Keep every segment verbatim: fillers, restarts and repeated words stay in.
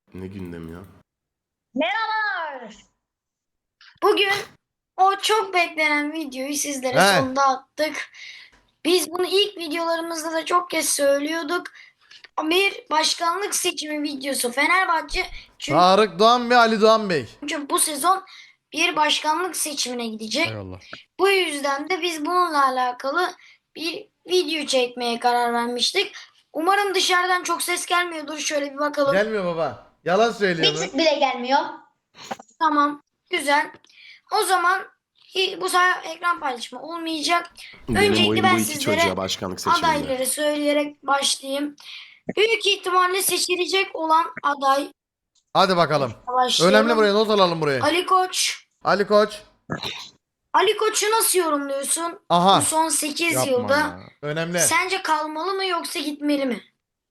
Ne gündem ya? Merhabalar. Bugün o çok beklenen videoyu sizlere He. sonunda attık. Biz bunu ilk videolarımızda da çok kez söylüyorduk. Bir başkanlık seçimi videosu Fenerbahçe çünkü Tarık Doğan Bey, Ali Doğan Bey. bu sezon bir başkanlık seçimine gidecek. Eyvallah. Bu yüzden de biz bununla alakalı bir video çekmeye karar vermiştik. Umarım dışarıdan çok ses gelmiyordur. Şöyle bir bakalım. Gelmiyor baba. Yalan söylüyor Bir bu. tık bile gelmiyor. Tamam. Güzel. O zaman hi- bu sefer ekran paylaşımı olmayacak. Benim Öncelikle oyun ben bu iki sizlere çocuğa başkanlık seçiminde. adayları söyleyerek başlayayım. Büyük ihtimalle seçilecek olan aday Hadi bakalım. başlayalım. Önemli, buraya not alalım buraya. Ali Koç. Ali Koç. Ali Koç'u nasıl yorumluyorsun? Aha. Bu son sekiz Yapma yılda. ya. Önemli. Sence kalmalı mı yoksa gitmeli mi?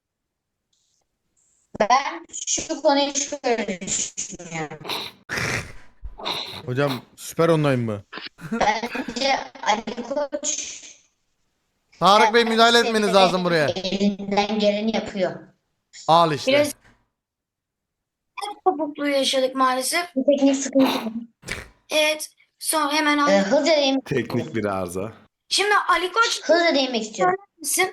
Ben şu konuyu şöyle düşünüyorum. Hocam süper online mı? Bence Ali Koç Tarık Bey müdahale etmeniz lazım buraya. elinden geleni yapıyor. Al işte. Biraz kopukluğu yaşadık maalesef. Bu teknik sıkıntı. Evet. Son hemen Ee, al. hızlıca değinmek, Teknik bir arıza. Şimdi Ali Koç hızlıca değinmek istiyorum. misin?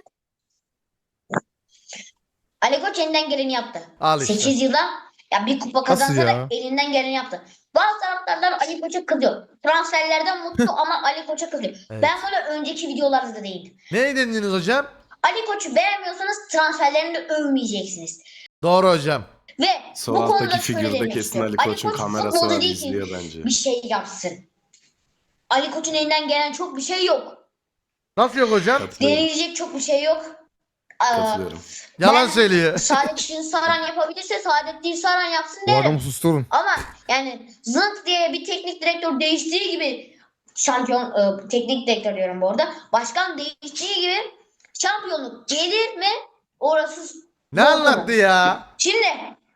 Ali Koç elinden geleni yaptı. Al işte. sekiz yılda ya bir kupa kazansa ya? da elinden geleni yaptı. Bazı taraftarlar Ali Koç'a kızıyor. Transferlerden mutlu ama Ali Koç'a kızıyor. Evet. Ben böyle önceki videolarda da değindim. Ne dediniz hocam? Ali Koç'u beğenmiyorsanız transferlerini de övmeyeceksiniz. Doğru hocam. Ve Sol bu konuda alttaki şöyle figürde demek kesin istiyorum. Ali Koç'un Koç kamerası futbolcu var, değil ki izliyor bence. bir şey yapsın. Ali Koç'un elinden gelen çok bir şey yok. Nasıl yok hocam? Katılıyorum. Denilecek çok bir şey yok. Aa, Katılıyorum. Yalan ben- söylüyor. Saadettin Saran yapabilirse Saadettin Saran yapsın Bu adamı derim. susturun. Ama yani zınt diye bir teknik direktör değiştiği gibi şampiyon e, teknik direktör diyorum bu arada. Başkan değiştiği gibi şampiyonluk gelir mi? Orası Ne zor anlattı konu. ya? Şimdi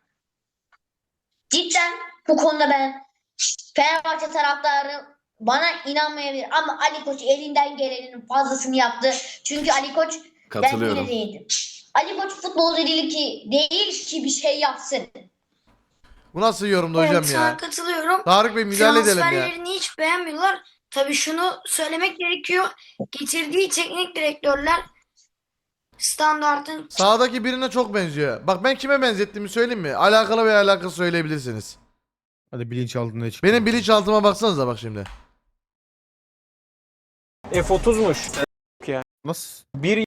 cidden bu konuda ben Fenerbahçe taraftarı bana inanmayabilir ama Ali Koç elinden gelenin fazlasını yaptı. Çünkü Ali Koç ben Katılıyorum. yine değindim. Ali Koç futbolcu değil ki değil ki bir şey yapsın. Bu nasıl yorumdu Evet, hocam sana ya? katılıyorum. Tarık Bey müdahale edelim ya. Transferlerini hiç beğenmiyorlar. Tabii şunu söylemek gerekiyor. Getirdiği teknik direktörler standartın Sağdaki birine çok benziyor. Bak ben kime benzettiğimi söyleyeyim mi? Alakalı veya alakasız söyleyebilirsiniz. Hadi bilinçaltına çık. Benim bilinçaltıma baksanıza bak şimdi. F otuzmuş. Nasıl? Bir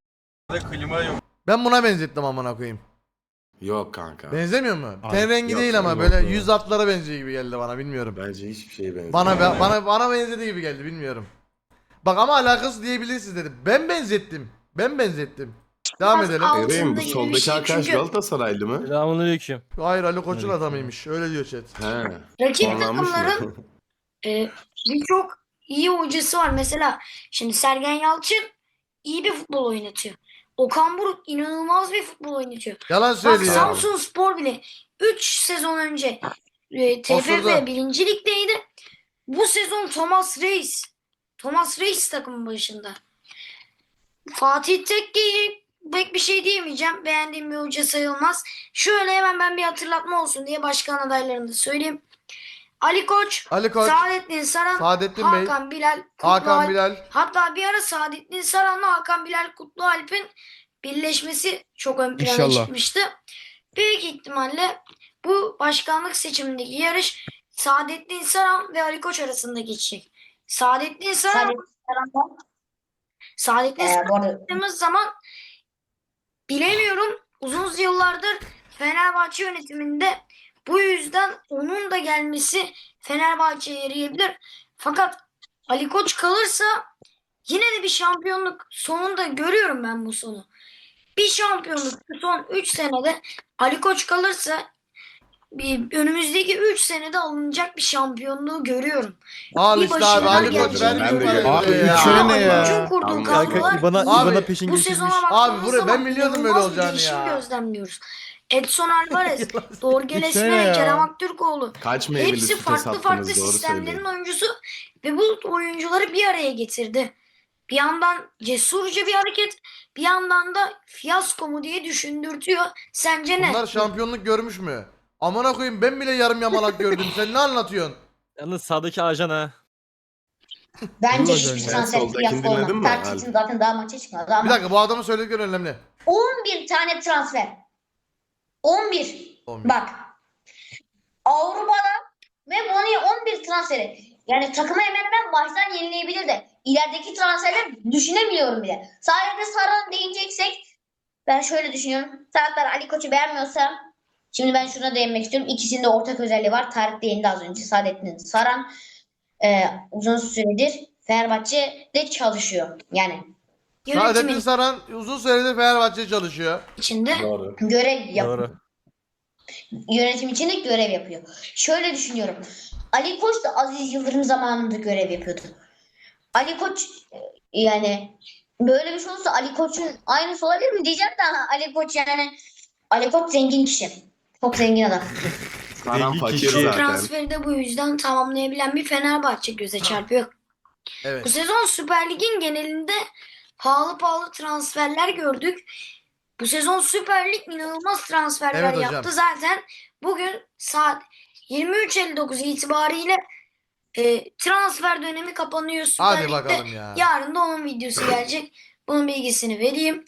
Ben buna benzettim amına koyayım. Yok kanka. Benzemiyor mu? Abi, Ten rengi yok, değil ama yok, böyle yok. yüz atlara benziyor gibi geldi bana, bilmiyorum. Bence hiçbir şeye benzemiyor. Bana bana bana benzediği gibi geldi, bilmiyorum. Bak ama alakası diyebilirsiniz dedim. Ben benzettim. Ben benzettim. Devam Biraz edelim. alt- Eray'ım bu Altında gibi bir soldaki şey arkadaş çünkü- Galatasaraylı mı? Selamünaleyküm. Hayır, Ali Koç'un adamıymış. Öyle diyor chat. He. rakip Puanlanmış mı? takımların e, birçok iyi hocası var. Mesela şimdi Sergen Yalçın iyi bir futbol oynatıyor. Okan Buruk inanılmaz bir futbol oynatıyor. Yalan Bak söylüyor. Samsun Spor bile üç sezon önce e, T F Osurdu. F birinci ligdeydi. Bu sezon Thomas Reis. Thomas Reis takımın başında. Fatih Tekke'yi pek bir şey diyemeyeceğim. Beğendiğim bir hoca sayılmaz. Şöyle hemen ben bir hatırlatma olsun diye başkan adaylarını da söyleyeyim. Ali Koç, Ali Koç, Saadettin Saran, Saadettin Bey, Hakan Bilal, Kutlu Hakan Alp. Bilal. Hatta bir ara Saadettin Saran'la Hakan Bilal Kutlu Alp'in birleşmesi çok ön plana İnşallah. çıkmıştı. Büyük ihtimalle bu başkanlık seçimindeki yarış Saadettin Saran ve Ali Koç arasında geçecek. Saadettin Saran, Saadettin Saran'dan Saadettin e, Saran bu arada baktığımız zaman bilemiyorum, uzun yıllardır Fenerbahçe yönetiminde, bu yüzden onun da gelmesi Fenerbahçe'ye yarayabilir. Fakat Ali Koç kalırsa yine de bir şampiyonluk sonunda görüyorum ben bu sonu. Bir şampiyonluk şu son üç senede Ali Koç kalırsa bir, önümüzdeki üç senede alınacak bir şampiyonluğu görüyorum. Al Bir işte abi, başarılar Ali Koç gelecek. vermiş Ben de bu parayı görüyorum. buraya Abi, ya. üç sene ne Ali ya? Koç'un kurduğu Anladım. kadrolar Kanka İBAN'a, Abi, İBAN'a peşin bu geçirmiş. sezona Abi baktığımız buraya ben zaman biliyordum böyle inanılmaz bir olacağını değişim ya. gözlemliyoruz. Edson Alvarez, Dorge Üç sene Lesmere, ya. Kerem Aktürkoğlu. Kaç meyveli Hepsi süte farklı sattınız, farklı doğru sistemlerin söyleyin. oyuncusu ve bu oyuncuları bir araya getirdi. Bir yandan cesurca bir hareket, bir yandan da fiyasko mu diye düşündürtüyor. Sence ne? Bunlar şampiyonluk görmüş mü? Amına koyayım ben bile yarım yamalak gördüm. Sen ne anlatıyorsun? Yalnız sağdaki ajan ha. Bence Dur hiçbir hocam ya. transfer Soldakini fiyatı dinledin olmaz. mi? Tercih'in zaten daha maça çıkmadı ama Bir dakika bu adamın söyledikleri önemli. on bir tane transfer. on bir. on bir. Bak. Avrupa'da ve Bonu'ya on bir transferi. Yani takımı hemen hemen baştan yenileyebilir de. İlerideki transferleri düşünemiyorum bile. Sadece Saran değineceksek ben şöyle düşünüyorum. Taraftar Ali Koç'u beğenmiyorsa şimdi ben şuna değinmek istiyorum. İkisinde ortak özelliği var. Tarık değindi az önce. Saadettin Saran e, uzun süredir Fenerbahçe'de çalışıyor. Yani Saadettin Yönetimin Saran uzun süredir Fenerbahçe çalışıyor. içinde Doğru. görev yapıyor. Doğru. Yönetim içinde görev yapıyor. Şöyle düşünüyorum. Ali Koç da Aziz Yıldırım zamanında görev yapıyordu. Ali Koç e, yani böyle bir şey olursa Ali Koç'un aynısı olabilir mi diyeceğim de Ali Koç yani Ali Koç zengin kişi. Çok zengin adam. Saran fakir kişi. çok zaten. transferi de bu yüzden tamamlayabilen bir Fenerbahçe göze çarpıyor. Bu Evet. sezon Süper Lig'in genelinde pahalı pahalı transferler gördük. Bu sezon Süper Lig inanılmaz transferler Evet hocam. yaptı. Zaten bugün saat yirmi üç elli dokuz itibariyle e, transfer dönemi kapanıyor Süper Hadi Lig'de. bakalım ya. Yarın da onun videosu gelecek. Bunun bilgisini vereyim.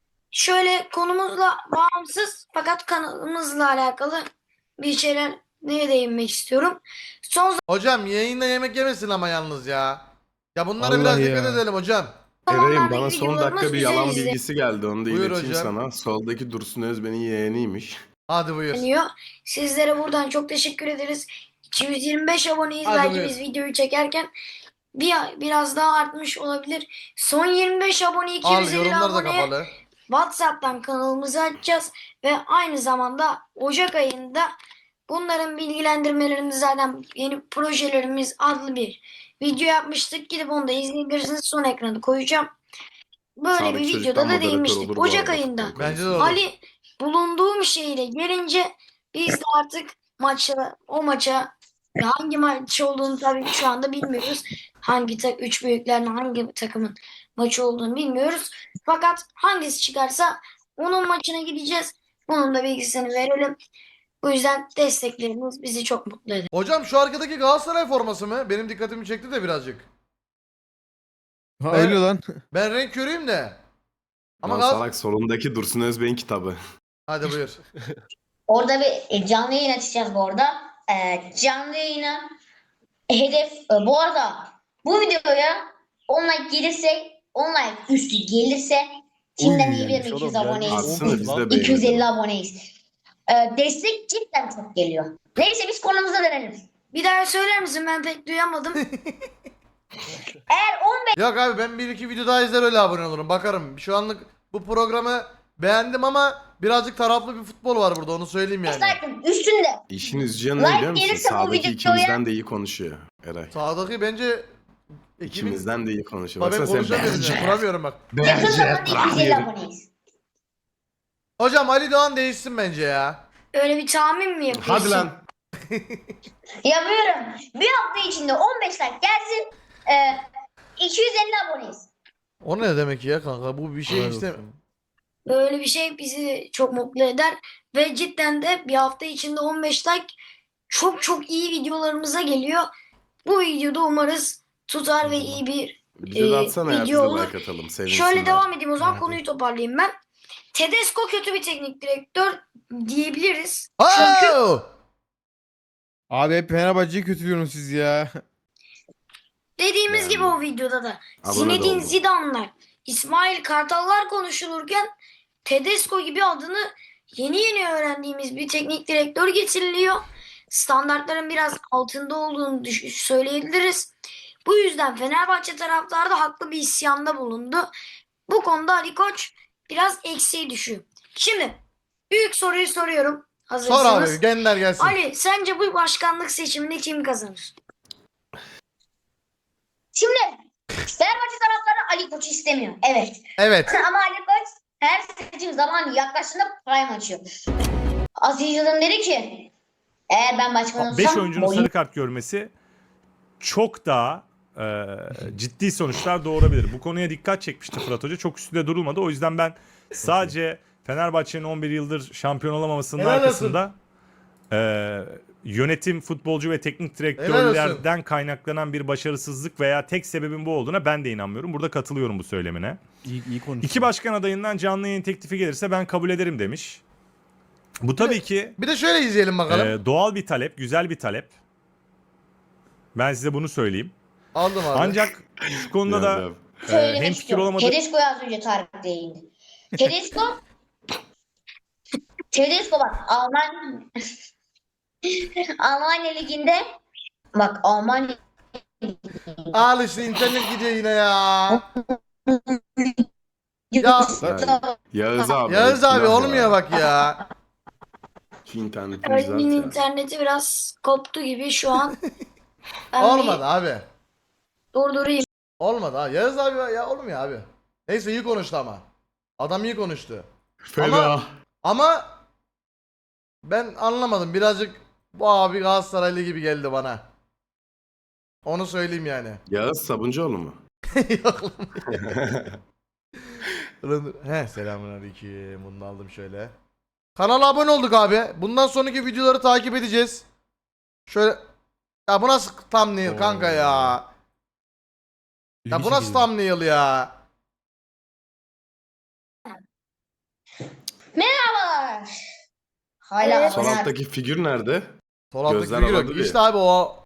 Şöyle konumuzla bağımsız fakat kanalımızla alakalı bir şeyler neye değinmek istiyorum. Son Hocam yayında yemek yemesin ama yalnız ya. Ya bunlara Allah biraz ya. dikkat edelim hocam. zamanlarda Eray'ım bana son videolarımız dakika bir yalan güzel bilgisi geldi. Onu da Buyur ileteyim hocam. sana. Soldaki Dursun Özben'in yeğeniymiş. Hadi buyur. izleniyor. Sizlere buradan çok teşekkür ederiz. iki yüz yirmi beş aboneyiz. Hadi Belki buyur. biz videoyu çekerken bir biraz daha artmış olabilir. Son yirmi beş abone iki Al yüz elli yorumlar da aboneye kapalı. WhatsApp'tan kanalımızı açacağız ve aynı zamanda Ocak ayında bunların bilgilendirmelerini zaten yeni projelerimiz adlı bir video yapmıştık. Gidip onu da izleyebilirsiniz. Son ekranı koyacağım. Böyle Sağdaki bir çocuktan videoda da moderatör değinmiştik. olur bu Ocak arada ayında futbol Bence de konusunda. olur. Ali bulunduğum şehire gelince biz de artık maça o maça hangi maç olduğunu tabii şu anda bilmiyoruz. Hangi tak üç büyüklerin hangi takımın maçı olduğunu bilmiyoruz. Fakat hangisi çıkarsa onun maçına gideceğiz. Bunun da bilgisini verelim. Bu yüzden destekleriniz bizi çok mutlu eder. Hocam şu arkadaki Galatasaray forması mı? Benim dikkatimi çekti de birazcık. Ha Ben- öyle lan. Ben renk körüyüm de. Ama Lan Galatasaray... salak solundaki Dursun Özben'in kitabı. Hadi buyur. Orada bir e, canlı yayın açacağız bu arada. E, canlı yayına hedef e, bu arada bu videoya on like gelirse on like üstü gelirse şimdiden Uy, iyi bir gelmiş iki yüz oğlum, aboneyiz. gelmiş. Atsana biz de iki yüz elli beğenelim. aboneyiz. E, destek cidden çok geliyor. Neyse biz konumuza dönelim. Bir daha söyler misin? Ben pek duyamadım. Eğer on Yok abi ben bir iki video daha izler öyle abone olurum. Bakarım. Şu anlık bu programı beğendim ama birazcık taraflı bir futbol var burada onu söyleyeyim beş yani. like'ın üstünde İşin üzücü yanı Like ne biliyor musun? gelirse bu Sağdaki videoya- ikimizden de iyi konuşuyor Eray. Sağdaki bence ekibin... İkimizden de iyi konuşuyor. Bak ben Baksana sen konuşamıyorum. bence. Kuramıyorum bak. yakın zamanda Bence. iki yüz elli aboneyiz. Hocam Ali Doğan değişsin bence ya. Öyle bir tahmin mi yapıyorsun? Hadi lan. Yapıyorum. Bir hafta içinde on beş like gelsin. E, iki yüz elli aboneyiz. O ne demek ya kanka? Bu bir şey Helal işte. olsun. Böyle bir şey bizi çok mutlu eder ve cidden de bir hafta içinde on beş like çok çok iyi videolarımıza geliyor. Bu videoda umarız tutar ve iyi bir Bize de Ee, atsana ya biz de video olur. like atalım. Sevinsinler. Şöyle devam edeyim o zaman Hadi. konuyu toparlayayım ben. Tedesco kötü bir teknik direktör diyebiliriz. Çünkü Oh! Abi hep Fenerbahçe'yi kötülüyorsunuz siz ya. dediğimiz Yani. gibi o videoda da Abone de Zinedine oldum. Zidane'lar, İsmail Kartallar konuşulurken Tedesco gibi adını yeni yeni öğrendiğimiz bir teknik direktör getiriliyor. Standartların biraz altında olduğunu düş- söyleyebiliriz. Bu yüzden Fenerbahçe taraftarı da haklı bir isyanda bulundu. Bu konuda Ali Koç biraz eksiğe düşüyor. Şimdi büyük soruyu soruyorum. Sor Hazırsanız. abi gönder gelsin. Ali sence bu başkanlık seçiminde kim kazanır? Şimdi Fenerbahçe taraftarı Ali Koç istemiyor. Evet. Evet. Ama Ali Koç her seçim zamanı yaklaştığında prime açıyor. Aziz Yıldırım dedi ki eğer ben başkan olsam beş oyuncunun boyun sarı kart görmesi çok daha e, ciddi sonuçlar doğurabilir. Bu konuya dikkat çekmişti Fırat Hoca. Çok üstünde durulmadı. O yüzden ben sadece Fenerbahçe'nin on bir yıldır şampiyon olamamasının Helal olsun. arkasında Ee, yönetim, futbolcu ve teknik Helal direktörlerden kaynaklanan bir başarısızlık veya tek sebebin bu olduğuna ben de inanmıyorum. Burada katılıyorum bu söylemine. İyi, iyi konuştun. İki başkan adayından canlı yayın teklifi gelirse ben kabul ederim demiş. Bu tabii ki Bir de şöyle izleyelim bakalım. e, doğal bir talep, güzel bir talep. Ben size bunu söyleyeyim. Aldım abi. Ancak şu konuda da Yani e, Söylemek hemfikir istiyorum. olamadık. Tedesco'yu az önce Tarık değindi. Tedesco Tedesco bak Alman Almanya Ligi'nde bak Almanya Al işte internet gidiyor yine ya. Ya Yağız abi. Yağız abi günah olmuyor ya. bak ya. Şu internetini Ali'nin düzelt ya. interneti biraz koptu gibi şu an. Ben Olmadı bir abi. durdurayım. Olmadı ha. Yağız abi ya olmuyor abi. Neyse iyi konuştu ama. Adam iyi konuştu. Fena. Ama- Ama ben anlamadım. Birazcık bu abi Galatasaraylı gibi geldi bana. Onu söyleyeyim yani. Yağız Sabuncuoğlu mu? Yok lan. He selamünaleyküm. Bunu da aldım şöyle. Kanala abone olduk abi. Bundan sonraki videoları takip edeceğiz. Şöyle ya bu nasıl thumbnail kanka ya? Ya bu nasıl thumbnail ya? Merhabalar. Hala Evet. Sol abone- alttaki figür nerede? Sol alttaki Gözler figür yok. aladı bir. İşte abi o